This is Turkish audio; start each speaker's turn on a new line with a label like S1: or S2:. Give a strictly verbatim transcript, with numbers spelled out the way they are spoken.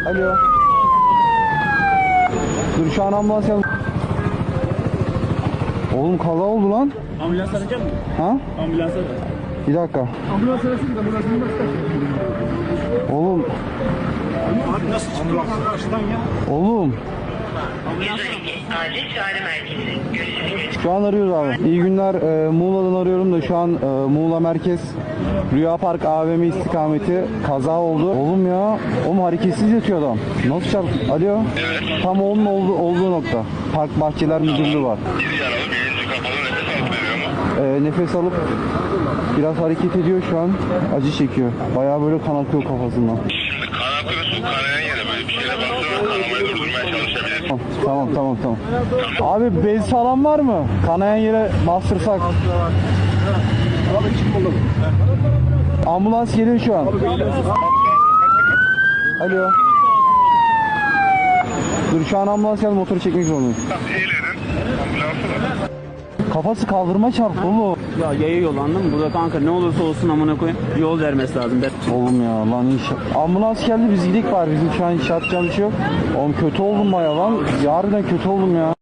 S1: Alo. Dur şu an ambulans yaz. Oğlum kaza oldu lan.
S2: Ambulans arayacak mısın?
S1: Ha?
S2: Ambulans ara.
S1: Bir dakika.
S2: Ambulans arasın da ambulans
S1: Oğlum.
S2: Abi nasıl çıktı karşıdan ya?
S1: Oğlum.
S3: Acil çağrı merkezi. Görüşürüz.
S1: Şu an arıyoruz abi. İyi günler. E, Muğla'dan arıyorum da şu an e, Muğla Merkez Rüya Park A V M istikameti kaza oldu. Oğlum ya. Oğlum hareketsiz yatıyor adam. Nasıl çarptı? Alo.
S4: Evet.
S1: Tam onun olduğu, olduğu nokta. Park Bahçeler Müdürlüğü var.
S4: Bir yaralı, birinci kapalı, nefes alıp veriyor mu?
S1: E, nefes alıp biraz hareket ediyor şu an. Acı çekiyor. Bayağı böyle kan akıyor kafasından.
S4: Şimdi kan akıyor, su kanayan yere böyle bir şeyle baksana, kanamayı durdurmaya çalışabilir.
S1: Tamam tamam tamam. Abi bez falan var mı? Kanayan yere bastırsak. Ambulans geliyor şu an. Alo. Dur şu an ambulans geldi, motoru çekmek zorundayım.
S4: İyilerin, ambulansı var.
S1: Kafası kaldırma çarptı oğlum.
S2: Ya yaya yol anladın mı? Burada kanka ne olursa olsun amına koyayım yol vermesi lazım. Ben...
S1: Oğlum ya lan inşallah. Ambulans geldi, biz gidik var. Bizim şu an iş yapacağım bir şey yok. Oğlum kötü oldum baya lan. Yarından kötü oldum ya.